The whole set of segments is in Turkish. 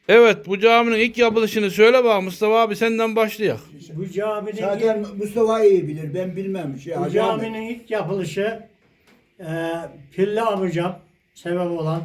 Evet, bu caminin ilk yapılışını söyle bak Mustafa abi, senden başlayak. Bu caminin Zaten Mustafa iyi bilir. Ben bilmem. bu Hacı Ahmet. caminin ilk yapılışı Pilli amcam sebep olan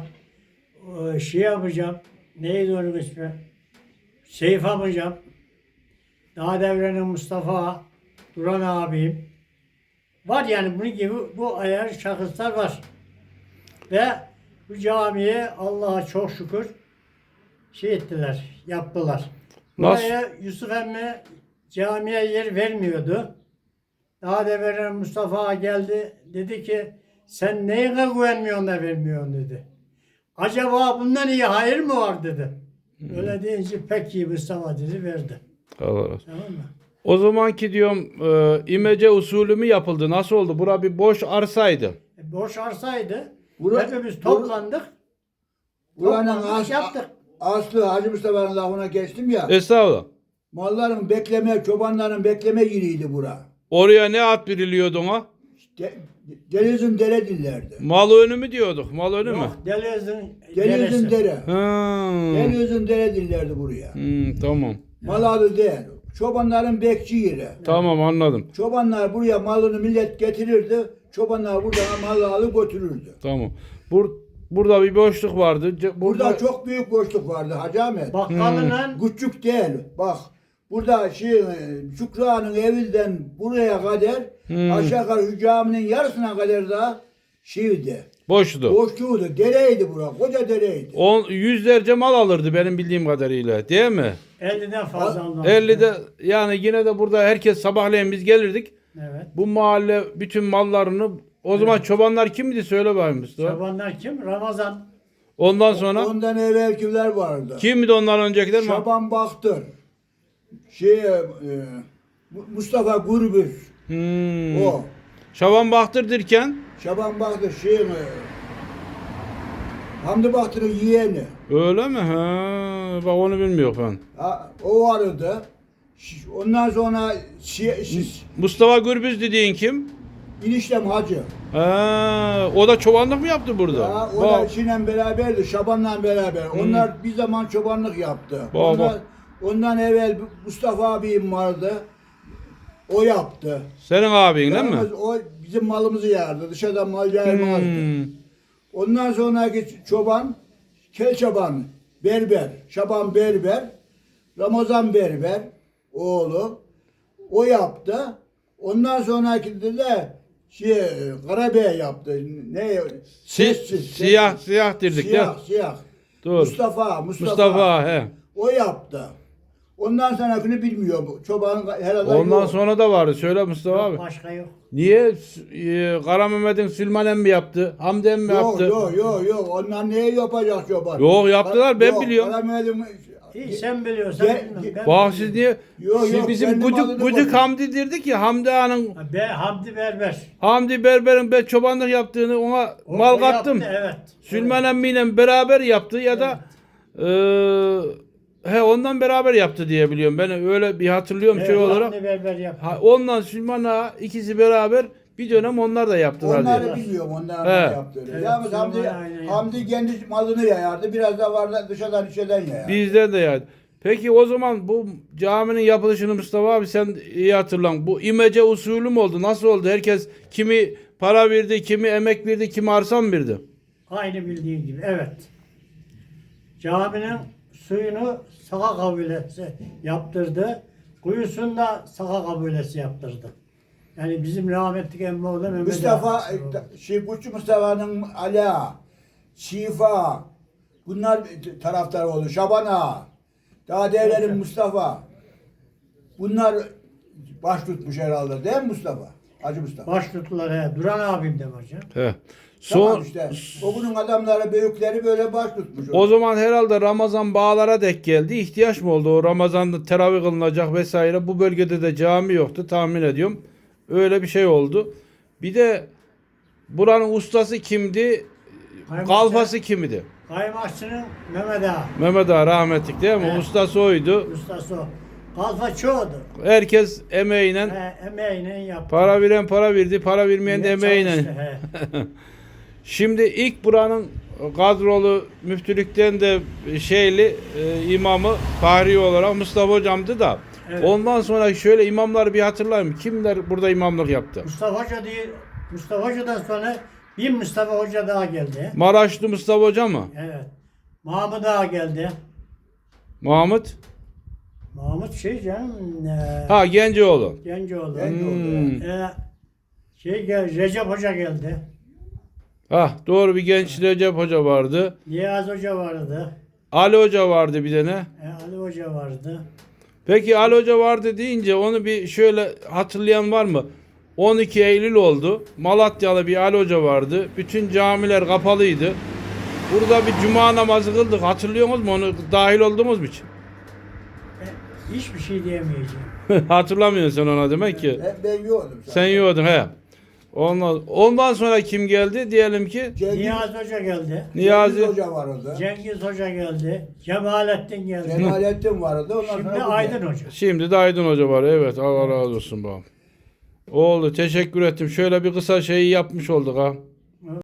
şey amcam neydi onun ismi? Seyf amcam, daha devrenin Mustafa, Duran abim var, yani bunun gibi bu ayar şahıslar var. Ve bu camiye Allah'a çok şükür şey ettiler, yaptılar. Nasıl? Buraya Yusuf emmi camiye yer vermiyordu. Daha devrenin Mustafa geldi, dedi ki sen neyine güvenmiyorsun da vermiyorsun dedi. Acaba bundan iyi hayır mı var dedi. Öyle deyince pek iyi Mustafa dedi, verdi. Allah razı olsun. Tamam mı? O zamanki diyorum imece usulü mü yapıldı? Nasıl oldu? Bura bir boş arsaydı. Boş arsaydı. Bura- Hepimiz toplandık. Buranın Toplandık, yaptık. aslı Hacı Mustafa'nın lafına geçtim ya. Estağfurullah. Malların bekleme, çobanların bekleme yeriydi bura. Oraya ne at biriliyordu ona? De, Denizin dere dillerdi. Mal önü mü diyorduk? Mal önü mü? Yok, Deniz'in Denizin deresi. dere. Ha. Denizin dere dillerdi buraya. Tamam. Mal adı değil. Çobanların bekçi yeri. Tamam, anladım. Çobanlar buraya malını millet getirirdi. Çobanlar buradan malı alıp götürürdü. Tamam. Burada bir boşluk vardı. Burada çok büyük boşluk vardı Hacı Ahmet. Bakkalıyla Küçük değil. Bak burada Şükrü'nün evinden buraya kadar aşağı yukarı şu caminin yarısına kadar da şeydi. boştu. Boşluğuydu. Dereydi bura. Koca dereydi. Yüzlerce mal alırdı benim bildiğim kadarıyla. Değil mi? 50'den fazla almaz. 50'de yani yine de burada herkes sabahleyin biz gelirdik. Evet. Bu mahalle bütün mallarını o zaman çobanlar kimdi söyle bakayım Mustafa. Çobanlar kim? Ramazan. Ondan sonra Ondan evvelkiler vardı. kimdi ondan öncekiler? Şaban Baktır. Mustafa Gürbüz. O. Şaban Bahtır derken Şaban Baktır Hamdi Baktır'ın yeğeni. öyle mi? Ha, bak onu bilmiyorum ben. O vardı. Ondan sonra Mustafa Gürbüz dediğin kim? İnişlem Hacı. Ha, o da çobanlık mı yaptı burada? Ya, o Bak, da işinle beraberdi, Şaban'la beraber. Onlar bir zaman çobanlık yaptı. Bak. Ondan evvel Mustafa abim vardı. O yaptı. senin abin değil mi? Yalnız o bizim malımızı yerdi. Dışarıdan mal yaymazdı. Ondan sonraki çoban, Kel Çoban, Berber, Şaban Berber, Ramazan Berber, oğlu. O yaptı. Ondan sonraki de Karabey yaptı. Ne? Siyah dirdik ya. Siyah. Doğru. Mustafa he. O yaptı. Ondan sonrakini bilmiyor bu. Çoban herhalde Ondan yok. sonra da vardı. Söyle Mustafa Yok, abi. başka yok. Niye Kara Mehmet'in Süleyman emmi yaptı? Hamdi emmi yaptı? Yok. Onlar neye yapacak çoban? Yok, yaptılar, ben Yok, biliyorum. Karamel'in- İyi, sen biliyorsan bilmem. Ben Bak siz niye? Yok, Siz yok, bizim kendim adını Gıcık koydum. Hamdi dirdik ya, Hamdi Ağa'nın Hamdi Berber. Hamdi Berber'in ben çobanlık yaptığını ona mal O kattım. yaptı, evet. Süleyman emmiyle beraber yaptı ya da ondan beraber yaptı diye biliyorum. Ben öyle bir hatırlıyorum şey olarak. Hamdi Berber yaptı. Ondan Süleyman Ağa ikisi beraber bir dönem onlar da yaptılar diye. Onları bilmiyorum, onlar He. ne yaptığını. Evet, Yalnız Süleyman Hamdi, aynen Hamdi kendi malını yayardı. Biraz da vardı dışarıdan içeriden yayardı. Bizde de yani. Peki o zaman bu caminin yapılışını Mustafa abi sen iyi hatırlan. Bu imece usulü mü oldu? Nasıl oldu? Herkes kimi para verdi, kimi emek verdi, kimi arsa mı verdi? Aynı bildiğin gibi, evet. Caminin suyunu Saka kabilesi yaptırdı. Kuyusunu da Saka kabilesi yaptırdı. Yani bizim rahmetli emmoğlu Mehmet Mustafa, Ağa. Kuşçu Mustafa'nın Ala, Şifa, bunlar taraftar oldu. Şaban Ağa, daha devlerin Mustafa. Bunlar baş tutmuş herhalde değil mi Mustafa? Hacı Mustafa. Baş tuttular he. Duran abim de var canım. He. Tamam Son, işte. O bunun adamları, büyükleri böyle baş tutmuş. o zaman herhalde Ramazan bağlara dek geldi. İhtiyaç mı oldu? O Ramazan'da teravih kılınacak vesaire. Bu bölgede de cami yoktu tahmin ediyorum. Öyle bir şey oldu. Bir de buranın ustası kimdi? Kalfası kimdi? Kaymakçının Mehmet Ağa. Mehmet Ağa rahmetlik değil mi? Evet. Ustası oydu. Ustası o. Kalfa çoğudu. Herkes emeğiyle Emeğiyle yaptı. para veren para verdi, para vermeyen de emeğiyle. Çalıştı, he. Şimdi ilk buranın kadrolu müftülükten de şeyli imamı Fahri olarak Mustafa hocamdı da. Evet. Ondan sonra şöyle imamları bir hatırlayayım. Kimler burada imamlık yaptı? Mustafa Hoca değil. Mustafa Hoca'dan sonra bir Mustafa Hoca daha geldi. Maraşlı Mustafa Hoca mı? Evet. Mahmut Ağa geldi. Mahmut? Mahmut şey canım. Ha Genceoğlu. Gencoğlu. Hmm. Recep Hoca geldi. Ha doğru, bir genç Recep Hoca vardı. Niyaz Hoca vardı. Ali Hoca vardı bir tane. Ali Hoca vardı. Peki Ali Hoca vardı deyince onu bir şöyle hatırlayan var mı? 12 Eylül oldu. Malatyalı bir Ali Hoca vardı. Bütün camiler kapalıydı. Burada bir cuma namazı kıldık. Hatırlıyor musunuz mu? Onu dahil olduğumuz mu hiç? Hiçbir şey diyemeyeceğim. Hatırlamıyorsun sen ona demek ki. Ben yiyordum. Sen yiyordun he. Ondan sonra kim geldi? Diyelim ki Niyaz Hoca geldi. Niyazi. Hoca vardı. Cengiz Hoca geldi. Cemalettin geldi. Cemalettin vardı. Ondan Şimdi sonra bu Aydın geldi. Hoca. Şimdi de Aydın Hoca var. Evet, Allah razı olsun babam. Oldu. Teşekkür ettim. Şöyle bir kısa şeyi yapmış olduk ha.